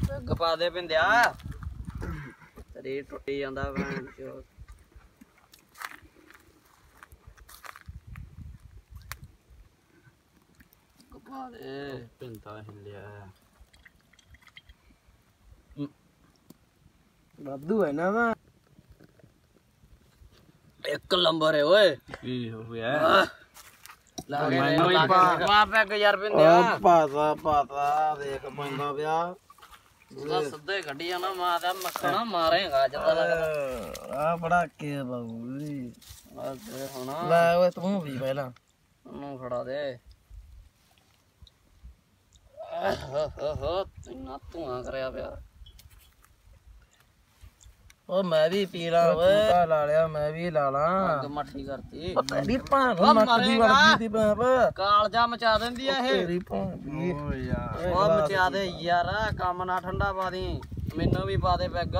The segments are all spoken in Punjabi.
ਪਾ ਦੇ ਪਿੰਦਿਆ ਤੇਰੀ ਟੁੱਟੀ ਜਾਂਦਾ ਭੈਣ ਚੋ ਕਪਾ ਦੇ ਪਿੰਦਾ ਹਿੱਲਿਆ ਵਾਧੂ ਹੈ ਨਾ ਵਾ ਇੱਕ ਨੰਬਰ ਹੈ ਓਏ ਕੀ ਹੋ ਗਿਆ ਮੈਨੂੰ ਹੀ ਪਾ ਪੈਗ ਯਾਰ ਪਿੰਦਿਆ ਪਾਤਾ ਦੇਖ ਪੈਂਦਾ ਪਿਆ ਉਹਦਾ ਸਿੱਧੇ ਕੱਢੀ ਜਾਣਾ ਮਾਂ ਦਾ ਮੱਖਣਾ ਮਾਰੇਗਾ ਜਦੋਂ ਲੱਗਦਾ ਆ ਬੜਾ ਕੇ ਬਾਬੂ ਆ ਦੇ ਹੁਣ ਲੈ ਓਏ ਤੂੰ ਵੀ ਪਹਿਲਾਂ ਉਹਨੂੰ ਫੜਾ ਦੇ ਹੋ ਤੂੰ ਧੂਆਂ ਕਰਿਆ ਪਿਆ ਓ ਮੈਂ ਵੀ ਪੀ ਲਾਂ ਓਏ ਲਾ ਲਿਆ ਮੈਂ ਵੀ ਲਾ ਲਾਂ ਅੱਗ ਮੱਠੀ ਕਰਤੀ ਤੇਰੀ ਭਾਂ ਮੱਕਦੀ ਵਰਗੀ ਦੀ ਬਾਪ ਕਾਲਜਾ ਮਚਾ ਦਿੰਦੀ ਆ ਇਹ ਤੇਰੀ ਭਾਂ ਵੀ ਓ ਯਾਰ ਉਹ ਮਚਾ ਦੇ ਯਾਰ ਕੰਮ ਨਾ ਠੰਡਾ ਪਾ ਦੀ ਮੈਨੂੰ ਵੀ ਪਾ ਦੇ ਪੈਗ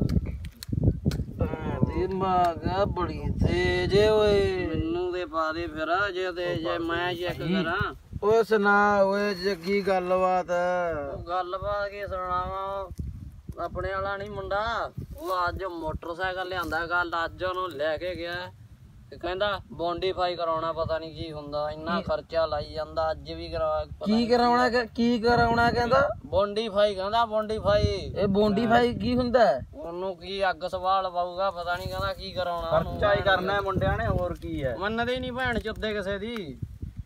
ਦੀ ਮਾਗਾ ਬੜੀ ਤੇਜ ਓਏ ਮੈਨੂੰ ਦੇ ਪਾ ਦੇ ਫਿਰ ਜੇ ਮੈਂ ਚੈੱਕ ਕਰਾਂ ਓਏ ਸੁਣਾ ਓਏ ਜੱਗੀ ਗੱਲਬਾਤ ਗੱਲਬਾਤ ਕੀ ਸੁਣਾਵਾਂ ਆਪਣੇ ਵਾਲਾ ਨਹੀਂ ਮੁੰਡਾ ਉਹ ਅੱਜ ਮੋਟਰਸਾਈਕਲ ਲਿਆਂਦਾ ਕੱਲ ਅੱਜ ਉਹਨੂੰ ਲੈ ਕੇ ਗਿਆ ਤੇ ਕਹਿੰਦਾ ਬੌਂਡੀਫਾਈ ਕਰਾਉਣਾ ਪਤਾ ਨਹੀਂ ਕੀ ਹੁੰਦਾ ਇੰਨਾ ਖਰਚਾ ਲਾਈ ਜਾਂਦਾ ਅੱਜ ਵੀ ਕੀ ਕਰਾਉਣਾ ਕਹਿੰਦਾ ਬੌਂਡੀਫਾਈ ਕਹਿੰਦਾ ਬੌਂਡੀਫਾਈ ਇਹ ਬੌਂਡੀਫਾਈ ਕੀ ਹੁੰਦਾ ਉਹਨੂੰ ਕੀ ਅੱਗ ਸਵਾਲ ਪਾਊਗਾ ਪਤਾ ਨਹੀਂ ਕਹਿੰਦਾ ਕੀ ਕਰਾਉਣਾ ਖਰਚਾ ਹੀ ਕਰਨਾ ਮੁੰਡਿਆਂ ਨੇ ਹੋਰ ਕੀ ਹੈ ਮੰਨਦੇ ਨਹੀਂ ਭੈਣ ਚੁੱਦੇ ਕਿਸੇ ਦੀ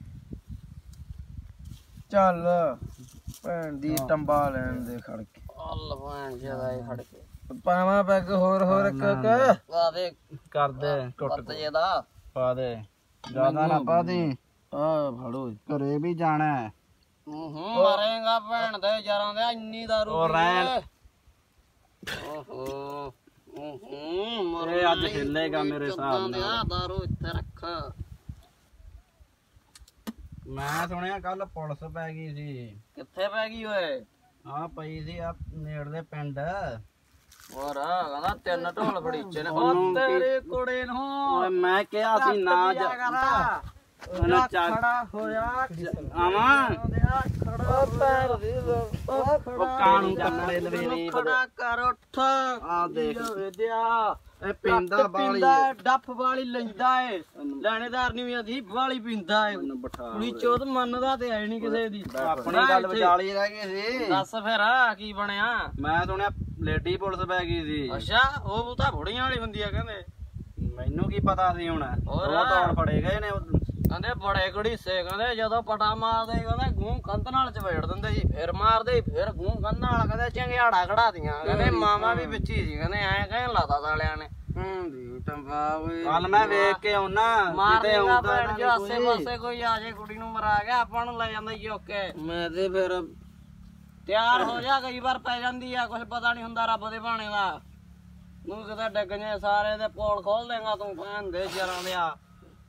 ਚੱਲ ਭੈਣ ਦੀ ਟੰਬਾ ਲੈਣ ਦੇ ਖੜ ਕੇ ਅੱਲ ਭੈਣ ਜਿਆਦਾ ਹੀ ਖੜ ਕੇ ਪਾਵਾਂ ਪੈਗ ਹੋਰ ਇੱਕ ਆ ਦੇ ਕਰ ਦੇ ਟੁੱਟ ਜੇ ਦਾ ਪਾ ਦੇ ਜ਼ਿਆਦਾ ਨਾ ਪਾ ਦੇ ਆ ਫੜੋ ਘਰੇ ਵੀ ਜਾਣਾ ਹੈ ਮਾਰੇਗਾ ਭੈਣ ਦੇ ਯਾਰਾਂ ਦੇ ਇੰਨੀ ਦਾਰੂ ਉਹ ਰਹਿਣ ਓਹੋ ਇਹ ਅੱਜ ਹਿੱਲੇਗਾ ਮੇਰੇ ਹਿਸਾਬ ਨਾਲ ਦਾਰੂ ਇੱਥੇ ਰੱਖ ਮੈਂ ਸੁਣਿਆ ਕੱਲ ਪੁਲਿਸ ਪੈ ਗਈ ਸੀ ਕਿੱਥੇ ਪੈ ਗਈ ਓਏ ਆ ਪਈ ਸੀ ਆ ਨੇੜਲੇ ਪਿੰਡ ਹੋਰ ਕਹਿੰਦਾ ਤਿੰਨ ਢੋਲ ਫੜੀਚੇ ਨੇ ਉਹ ਤੇਰੇ ਕੋੜੇ ਨੂੰ ਓਏ ਮੈਂ ਕਿਹਾ ਸੀ ਨਾ ਜਾ ਉਹਨੇ ਖੜਾ ਹੋਇਆ ਆਵਾਂ ਖੜਾ ਪੈਰ ਦੀ ਉਹ ਕਾਨੂੰ ਕੱਪੜੇ ਲਵੇਰੀ ਖੜਾ ਕਰ ਉੱਠ ਆ ਦੇਖ ਵਿਦਿਆ ਇਹ ਪਿੰਦਾ ਬਾਲੀ ਡੱਫ ਵਾਲੀ ਲੈਂਦਾ ਏ ਲੈਣੇਦਾਰ ਨਹੀਂ ਵੀ ਆਦੀ ਵਾਲੀ ਪੀਂਦਾ ਏ ਬਿਠਾ ਕੁੜੀ ਚੋਦ ਮੰਨਦਾ ਤੇ ਹੈ ਨਹੀਂ ਕਿਸੇ ਦੀ ਆਪਣੀ ਗੱਲ ਵਿਚਾਲੀ ਰਹਿ ਗਈ ਸੀ ਦੱਸ ਫਿਰ ਕੀ ਬਣਿਆ ਮੈਂ ਸੁਣਿਆ ਲੇਡੀ ਪੁਲਿਸ ਪੈ ਗਈ ਸੀ ਅੱਛਾ ਉਹ ਤਾਂ ਬੁੜੀਆਂ ਵਾਲੀ ਹੁੰਦੀ ਆ ਕਹਿੰਦੇ ਮੈਨੂੰ ਕੀ ਪਤਾ ਸੀ ਹੁਣ ਹੋਰ? ਉਹ ਤਾਂ ਫੜੇ ਗਏ ਨੇ ਕਹਿੰਦੇ ਬੜੇ ਘੜੀਸੇ ਕਹਿੰਦੇ ਜਦੋਂ ਪਟਾ ਮਾਰਦੇ ਕਹਿੰਦੇ ਗੂੰ ਕੰਧ ਨਾਲ ਚਵੇੜ ਦਿੰਦੇ ਸੀ ਫਿਰ ਮਾਰਦੇ ਫਿਰ ਗੂੰ ਕੰਧ ਨਾਲ ਕਹਿੰਦੇ ਚੰਗਿਆੜਾ ਖੜਾਦੀਆਂ ਕਹਿੰਦੇ ਮਾਮਾ ਵੀ ਵਿੱਚ ਹੀ ਸੀ ਕਹਿੰਦੇ ਐਂ ਕਹਿਣ ਲਾਤਾ ਸਾਲਿਆਂ ਨੇ ਦੀ ਟੰਬਾ ਓਏ ਕੱਲ ਮੈਂ ਵੇਖ ਕੇ ਆਉਣਾ ਮਾਰ ਦੇਗਾ ਭੈਣ ਜੋ ਆਸੇ ਪਾਸੇ ਕੋਈ ਆ ਜੇ ਕੁੜੀ ਨੂੰ ਮਰਾ ਗਿਆ ਆਪਾਂ ਨੂੰ ਲੈ ਜਾਂਦਾ ਜੀ ਓਕੇ ਮੈਂ ਤੇ ਫਿਰ ਤਿਆਰ ਹੋ ਜਾ ਕਈ ਵਾਰ ਪੈ ਜਾਂਦੀ ਆ ਕੁਝ ਪਤਾ ਨਹੀਂ ਹੁੰਦਾ ਰੱਬ ਦੇ ਭਾਣੇ ਦਾ ਤੂੰ ਕਿਤੇ ਡਿੱਗ ਜੇ ਸਾਰੇ ਦੇ ਪੋਲ ਖੋਲ ਦੇਗਾ ਤੂੰ ਭੈਣ ਦੇ ਸ਼ਰਾਂ ਦੇ ਆ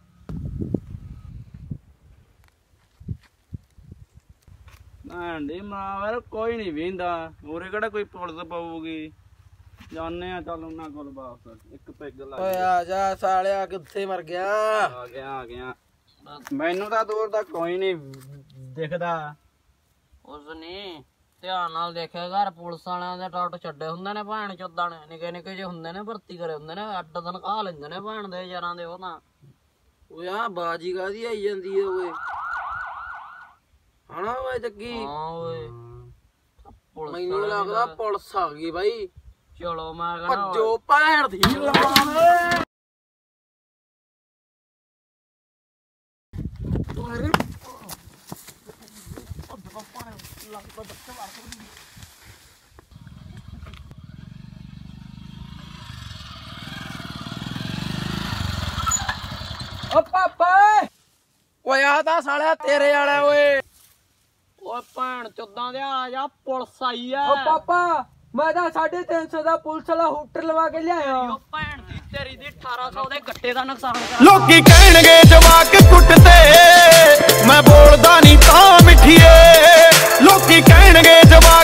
ਆਂਡੀ ਮਾਰ ਕੋਈ ਨਹੀਂ ਵੇਂਦਾ ਹੋਰੇ ਕਿਹੜਾ ਕੋਈ ਪੁਲਿਸ ਪਾਊਗੀ ਜਾਣੇ ਆ ਚੱਲ ਉਹਨਾਂ ਕੋਲ ਵਾਪਸ ਇੱਕ ਪੈਗ ਲਾ ਓਏ ਆ ਜਾ ਸਾਲਿਆ ਕਿੱਥੇ ਮਰ ਗਿਆ ਆ ਗਿਆ ਮੈਨੂੰ ਤਾਂ ਦੂਰ ਦਾ ਕੋਈ ਨਹੀਂ ਦਿਖਦਾ ਉਸ ਨੇ ਧਿਆਨ ਨਾਲ ਦੇਖਿਆ ਘਰ ਪੁਲਿਸ ਵਾਲਿਆਂ ਦੇ ਟੱਟ ਛੱਡੇ ਹੁੰਦੇ ਨੇ ਭੈਣ ਚੋਦਾਂ ਨੇ ਨਿੱਕੇ ਨਿੱਕੇ ਜਿਹੇ ਹੁੰਦੇ ਨੇ ਭਰਤੀ ਕਰੇ ਹੁੰਦੇ ਨੇ 8 ਦਿਨ ਖਾ ਲੈਂਦੇ ਨੇ ਭੈਣ ਦੇ ਯਾਰਾਂ ਦੇ ਉਹ ਤਾਂ ਓਏ ਆ ਬਾਜੀ ਕਾਦੀ ਆਈ ਜਾਂਦੀ ਏ ਓਏ ਹਣਾ ਓਏ ਜੱਗੀ ਹਾਂ ਓਏ ਮੈਨੂੰ ਲੱਗਦਾ ਪੁਲਿਸ ਆ ਗਈ ਬਾਈ ਚਲੋ ਮੈਂ ਕਹਿੰਦਾ ਭੱਜੋ ਭੈਣ ਦੀ ਓ ਪਾਪਾ ਓਏ ਆ ਤਾਂ ਸਾਲਿਆ ਤੇਰੇ ਵਾਲਾ ਓਏ ਓਏ ਭੈਣ ਚੋਦਾਂ ਦੇ ਆ ਜਾ ਪੁਲਿਸ ਆਈ ਆ ਓ ਪਾਪਾ ਮੈਂ ਤਾਂ 350 ਦਾ ਪੁਲਿਸ ਵਾਲਾ ਹੂਟਰ ਲਵਾ ਕੇ ਲਿਆਇਆ ਓ ਭੈਣ ਦੀ ਤੇਰੀ ਦੀ 1800 ਦੇ ਗੱਟੇ ਦਾ ਨੁਕਸਾਨ ਕਰ ਲੋਕੀ ਕਹਿਣਗੇ ਜਵਾਕ ਕੁੱਟਦੇ ਮੈਂ ਬੋਲਦਾ ਨਹੀਂ ਤਾਂ ਮਿੱਠੀਏ ਲੋਕੀ ਕਹਿਣਗੇ ਜਵਾਕ